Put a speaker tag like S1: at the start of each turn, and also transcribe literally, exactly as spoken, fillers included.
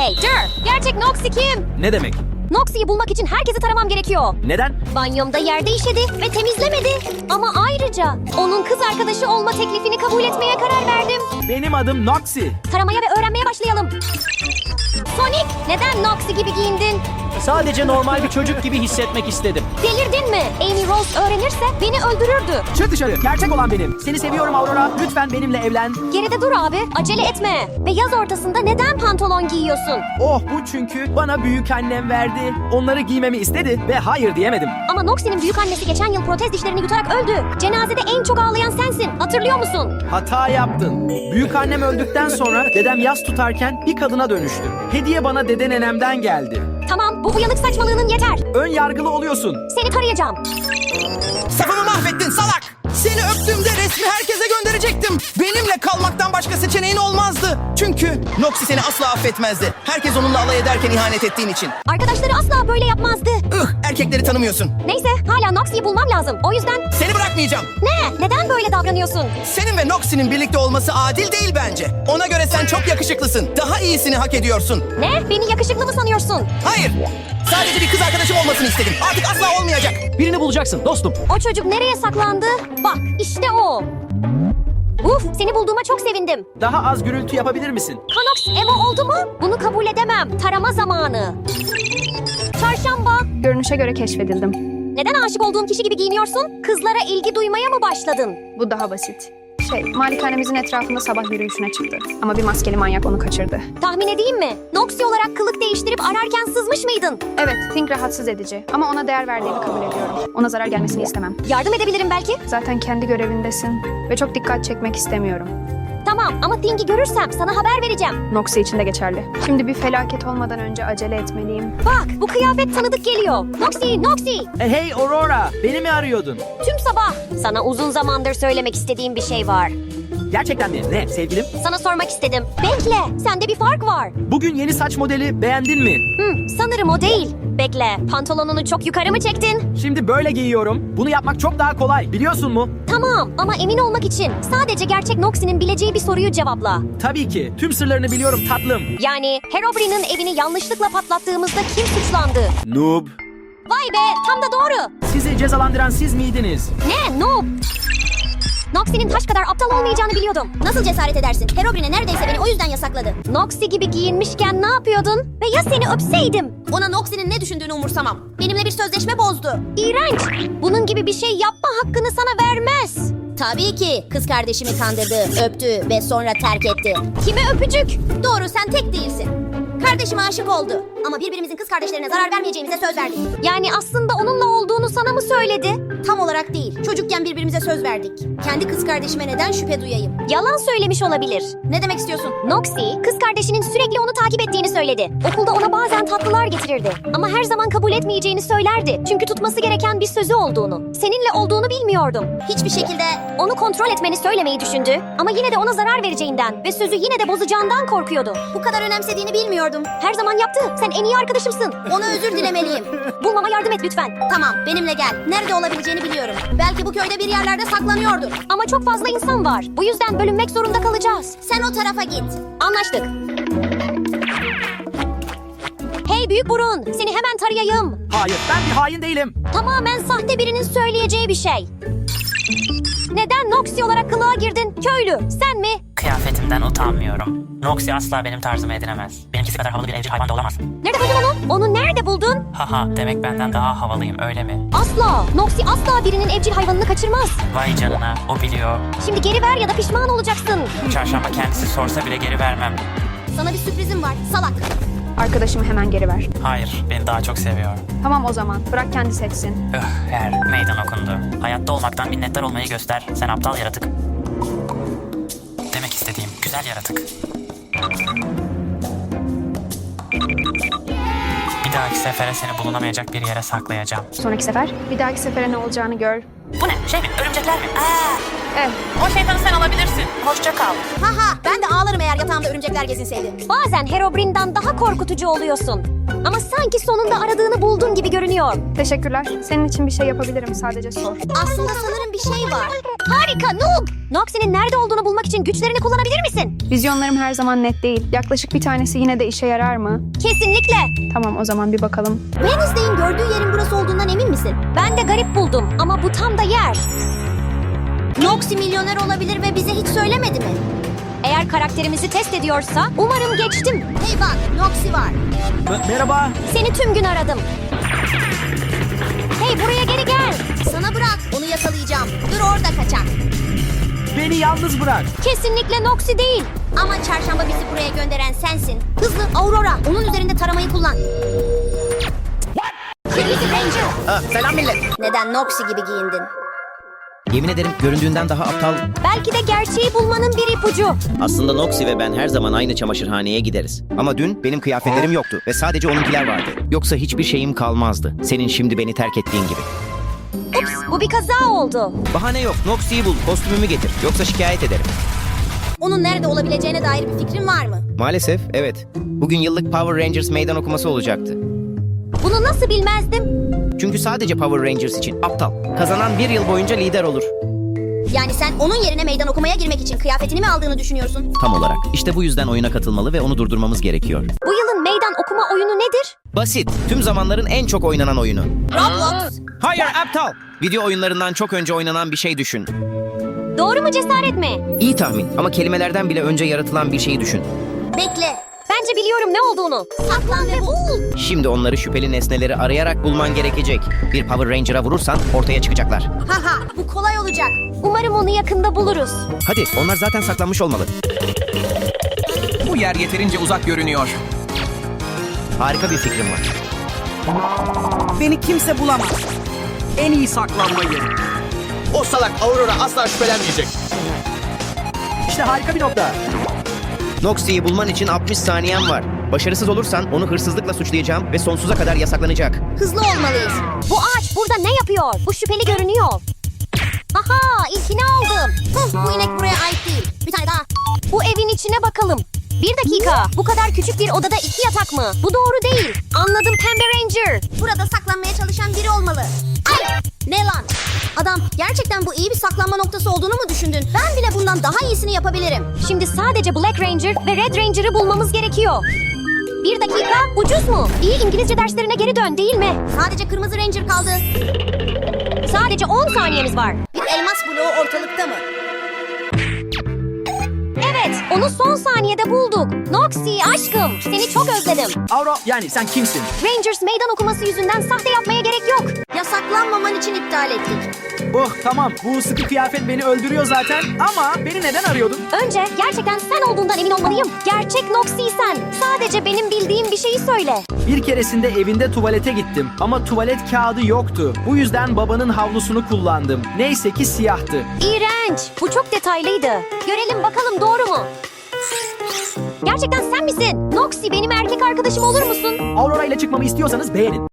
S1: Hey dur! Gerçek Noxy kim?
S2: Ne demek?
S1: Noxy'yi bulmak için herkesi taramam gerekiyor.
S2: Neden?
S1: Banyomda yerde işedi ve temizlemedi. Ama ayrıca onun kız arkadaşı olma teklifini kabul etmeye karar verdim.
S2: Benim adım Noxy.
S1: Taramaya ve öğrenmeye başlayalım. Sonic, neden Noxy gibi giyindin?
S3: Sadece normal bir çocuk gibi hissetmek istedim.
S1: Delirdin mi? Amy Rose öğrenirse beni öldürürdü.
S2: Çık dışarı. Gerçek olan benim. Seni seviyorum Aurora. Lütfen benimle evlen.
S1: Geride dur abi, acele etme. Ve yaz ortasında neden pantolon giyiyorsun?
S2: Oh bu çünkü bana büyük annem verdi. Onları giymemi istedi ve hayır diyemedim.
S1: Ama Noxy'nin büyük annesi geçen yıl protez dişlerini yutarak öldü. Cenazede en çok ağlayan sensin. Hatırlıyor musun?
S2: Hata yaptın. Büyük annem öldükten sonra dedem yas tutarken bir kadına dönüştü. Hediye bana dede nenemden geldi.
S1: Tamam, bu uyanık saçmalığının yeter.
S2: Ön yargılı oluyorsun.
S1: Seni tarayacağım.
S4: Safımı mahvettin salak. Seni öptüğümde resmi herkese gönderecektim. Benimle kalmaktan başka seçeneğin olmazdı. Çünkü Noxy seni asla affetmezdi. Herkes onunla alay ederken ihanet ettiğin için.
S1: Arkadaşları asla böyle yapmazdı.
S4: Ih, erkekleri tanımıyorsun.
S1: Neyse, hala Noxy'yi bulmam lazım. O yüzden...
S4: Seni bırakmayacağım.
S1: Ne? Neden böyle davranıyorsun?
S4: Senin ve Noxy'nin birlikte olması adil değil bence. Ona göre sen çok yakışıklısın. Daha iyisini hak ediyorsun.
S1: Ne? Beni yakışıklı mı sanıyorsun?
S4: Hayır. Sadece bir kız arkadaşım olmasını istedim. Artık asla olmayacak.
S3: Birini bulacaksın dostum.
S1: O çocuk nereye saklandı? Bak, işte o. Uf, seni bulduğuma çok sevindim.
S2: Daha az gürültü yapabilir misin?
S1: Kanox emo oldu mu? Bunu kabul edemem. Tarama zamanı. Çarşamba.
S5: Görünüşe göre keşfedildim.
S1: Neden aşık olduğun kişi gibi giyiniyorsun? Kızlara ilgi duymaya mı başladın?
S5: Bu daha basit. Şey, malikanemizin etrafında sabah yürüyüşüne çıktı. Ama bir maskeli manyak onu kaçırdı.
S1: Tahmin edeyim mi? Noxy olarak kılık değiştirip ararken sızmış mıydın?
S5: Evet, Think rahatsız edici. Ama ona değer verdiğimi kabul ediyorum. Ona zarar gelmesini istemem.
S1: Yardım edebilirim belki.
S5: Zaten kendi görevindesin. Ve çok dikkat çekmek istemiyorum.
S1: Tamam ama Think'i görürsem sana haber vereceğim.
S5: Noxy için de geçerli. Şimdi bir felaket olmadan önce acele etmeliyim.
S1: Bak bu kıyafet tanıdık geliyor. Noxy, Noxy.
S2: E, hey Aurora, beni mi arıyordun?
S1: Tüm sabah. Sana uzun zamandır söylemek istediğim bir şey var.
S2: Gerçekten mi? Ne sevgilim?
S1: Sana sormak istedim. Bekle, sende bir fark var.
S2: Bugün yeni saç modeli beğendin mi?
S1: Hı, sanırım o değil. Bekle, pantolonunu çok yukarı mı çektin?
S2: Şimdi böyle giyiyorum. Bunu yapmak çok daha kolay. Biliyorsun mu?
S1: Tamam ama emin olmak için sadece gerçek Noxy'nin bileceği bir soruyu cevapla.
S2: Tabii ki. Tüm sırlarını biliyorum tatlım.
S1: Yani Herobrine'in evini yanlışlıkla patlattığımızda kim suçlandı?
S2: Noob.
S1: Vay be, tam da doğru.
S2: Sizi cezalandıran siz miydiniz?
S1: Ne? Noob? Noxy'nin taş kadar aptal olmayacağını biliyordum. Nasıl cesaret edersin? Herobrine neredeyse beni o yüzden yasakladı. Noxy gibi giyinmişken ne yapıyordun? Ve ya seni öpseydim? Ona Noxy'nin ne düşündüğünü umursamam. Benimle bir sözleşme bozdu. İğrenç. Bunun gibi bir şey yapma hakkını sana vermez. Tabii ki. Kız kardeşimi kandırdı, öptü ve sonra terk etti. Kime öpücük? Doğru, sen tek değilsin. Kardeşime aşık oldu. Ama birbirimizin kız kardeşlerine zarar vermeyeceğimize söz verdik. Yani aslında onunla olduğunu sana mı söyledi? Tam olarak değil. Çocukken birbirimize söz verdik. Kendi kız kardeşime neden şüphe duyayım? Yalan söylemiş olabilir. Ne demek istiyorsun? Noxy, kız kardeşinin sürekli onu takip ettiğini söyledi. Okulda ona bazen tatlılar getirirdi. Ama her zaman kabul etmeyeceğini söylerdi. Çünkü tutması gereken bir sözü olduğunu. Seninle olduğunu bilmiyordum. Hiçbir şekilde onu kontrol etmeni söylemeyi düşündü. Ama yine de ona zarar vereceğinden ve sözü yine de bozacağından korkuyordu. Bu kadar önemsediğini bilmiyordum. Her zaman yaptı. Sen en iyi arkadaşımsın. Ona özür dilemeliyim. Bulmama yardım et lütfen. Tamam, benimle gel. Nerede olabileceğini biliyorum. Belki bu köyde bir yerlerde saklanıyordur. Ama çok fazla insan var. Bu yüzden bölünmek zorunda kalacağız. Sen o tarafa git. Anlaştık. Hey büyük burun, seni hemen tarayayım.
S2: Hayır, ben bir hain değilim.
S1: Tamamen sahte birinin söyleyeceği bir şey. Neden Noxy olarak kılığa girdin? Köylü, sen mi?
S6: Kıyafetimden utanmıyorum. Noxy asla benim tarzımı edinemez. Benimkisi kadar havalı bir evcil hayvan da olamaz.
S1: Nerede buldun onu? Onu nerede buldun?
S6: Haha, demek benden daha havalıyım öyle mi?
S1: Asla. Noxy asla birinin evcil hayvanını kaçırmaz.
S6: Vay canına, o biliyor.
S1: Şimdi geri ver ya da pişman olacaksın.
S6: Çarşamba kendisi sorsa bile geri vermem.
S1: Sana bir sürprizim var, salak.
S5: Arkadaşımı hemen geri ver.
S6: Hayır, beni daha çok seviyor.
S5: Tamam o zaman, bırak kendi seçsin.
S6: Öh, her meydan okundu. Hayatta olmaktan minnettar olmayı göster. Sen aptal yaratık. Demek istediğim güzel yaratık. Bir dahaki sefere seni bulunamayacak bir yere saklayacağım.
S5: Sonraki sefer, bir dahaki sefere ne olacağını gör.
S6: Bu ne? Şey mi? Örümcekler mi? Aa,
S5: Eh,
S6: o şeytanı sen alabilirsin. Hoşça kal.
S1: Haha, ben de ağlarım eğer yatağımda örümcekler gezinseydi. Bazen Herobrine'den daha korkutucu oluyorsun. Ama sanki sonunda aradığını buldun gibi görünüyor.
S5: Teşekkürler. Senin için bir şey yapabilirim. Sadece sor.
S1: Aslında sanırım bir şey var. Harika Noob! Noxie'nin nerede olduğunu bulmak için güçlerini kullanabilir misin?
S5: Vizyonlarım her zaman net değil. Yaklaşık bir tanesi yine de işe yarar mı?
S1: Kesinlikle.
S5: Tamam, o zaman bir bakalım.
S1: Wednesday'in gördüğü yerin burası olduğundan emin misin? Ben de garip buldum ama bu tam da yer. Noxie milyoner olabilir ve bize hiç söylemedi mi? Eğer karakterimizi test ediyorsa umarım geçtim. Hey bak, Noxie var.
S2: M- merhaba.
S1: Seni tüm gün aradım. Hey buraya geri gel. Sana bırak, onu yakalayacağım. Dur orada kaçak.
S2: Beni yalnız bırak.
S1: Kesinlikle Noxie değil. Ama çarşamba bizi buraya gönderen sensin. Hızlı Aurora, onun üzerinde taramayı kullan. Kırmızı Ranger.
S4: Ah, selam millet.
S1: Neden Noxie gibi giyindin?
S7: Yemin ederim göründüğünden daha aptal.
S1: Belki de gerçeği bulmanın bir ipucu.
S7: Aslında Noxie ve ben her zaman aynı çamaşırhaneye gideriz. Ama dün benim kıyafetlerim yoktu ve sadece onunkiler vardı. Yoksa hiçbir şeyim kalmazdı. Senin şimdi beni terk ettiğin gibi.
S1: Ups, bu bir kaza oldu.
S7: Bahane yok. Noxie'yi bul, kostümümü getir. Yoksa şikayet ederim.
S1: Onun nerede olabileceğine dair bir fikrin var mı?
S7: Maalesef, evet. Bugün yıllık Power Rangers meydan okuması olacaktı.
S1: Bunu nasıl bilmezdim?
S7: Çünkü sadece Power Rangers için aptal. Kazanan bir yıl boyunca lider olur.
S1: Yani sen onun yerine meydan okumaya girmek için kıyafetini mi aldığını düşünüyorsun?
S7: Tam olarak. İşte bu yüzden oyuna katılmalı ve onu durdurmamız gerekiyor.
S1: Bu yılın meydan okuma oyunu nedir?
S7: Basit. Tüm zamanların en çok oynanan oyunu.
S1: Roblox.
S7: Hayır aptal. Video oyunlarından çok önce oynanan bir şey düşün.
S1: Doğru mu cesaret mi?
S7: İyi tahmin ama kelimelerden bile önce yaratılan bir şeyi düşün.
S1: Bekle. Bence biliyorum ne olduğunu. Saklan ve bul.
S7: Şimdi onları şüpheli nesneleri arayarak bulman gerekecek. Bir Power Ranger'a vurursan ortaya çıkacaklar.
S1: Haha bu kolay olacak. Umarım onu yakında buluruz.
S7: Hadi onlar zaten saklanmış olmalı.
S4: Bu yer yeterince uzak görünüyor.
S7: Harika bir fikrim var.
S2: Beni kimse bulamaz. En iyi saklanma yeri.
S4: O salak Aurora asla şüphelenmeyecek.
S2: İşte harika bir nokta.
S7: Noxie'yi bulman için altmış saniyen var. Başarısız olursan onu hırsızlıkla suçlayacağım ve sonsuza kadar yasaklanacak.
S1: Hızlı olmalıyız. Bu ağaç burada ne yapıyor? Bu şüpheli görünüyor. Aha ilkini aldım. Huh, bu inek buraya ait değil. Bir tane daha. Bu evin içine bakalım. Bir dakika. Bu kadar küçük bir odada iki yatak mı? Bu doğru değil. Anladım Pembe Ranger. Burada saklanmaya çalışan biri olmalı. Ay! Ne lan? Adam gerçekten bu iyi bir saklanma noktası olduğunu mu düşündün? Ben bile bundan daha iyisini yapabilirim. Şimdi sadece Black Ranger ve Red Ranger'ı bulmamız gerekiyor. Bir dakika, ucuz mu? İyi İngilizce derslerine geri dön değil mi? Sadece Kırmızı Ranger kaldı. Sadece on saniyemiz var. Bir elmas bloğu ortalıkta mı? Evet, onu son saniyede bulduk. Noxie aşkım, seni çok özledim.
S2: Auro, yani sen kimsin?
S1: Rangers meydan okuması yüzünden sahte yapmaya gerek yok. Yasaklanmaman için iptal ettik.
S2: Oh tamam, bu sıkı kıyafet beni öldürüyor zaten ama beni neden arıyordun?
S1: Önce gerçekten sen olduğundan emin olmalıyım. Gerçek Noxie sen. Sadece benim bildiğim bir şeyi söyle.
S2: Bir keresinde evinde tuvalete gittim ama tuvalet kağıdı yoktu. Bu yüzden babanın havlusunu kullandım. Neyse ki siyahtı.
S1: İğrenç. Bu çok detaylıydı. Görelim bakalım doğru mu? Gerçekten sen misin? Noxie benim erkek arkadaşım olur musun?
S2: Aurora ile çıkmamı istiyorsanız beğenin.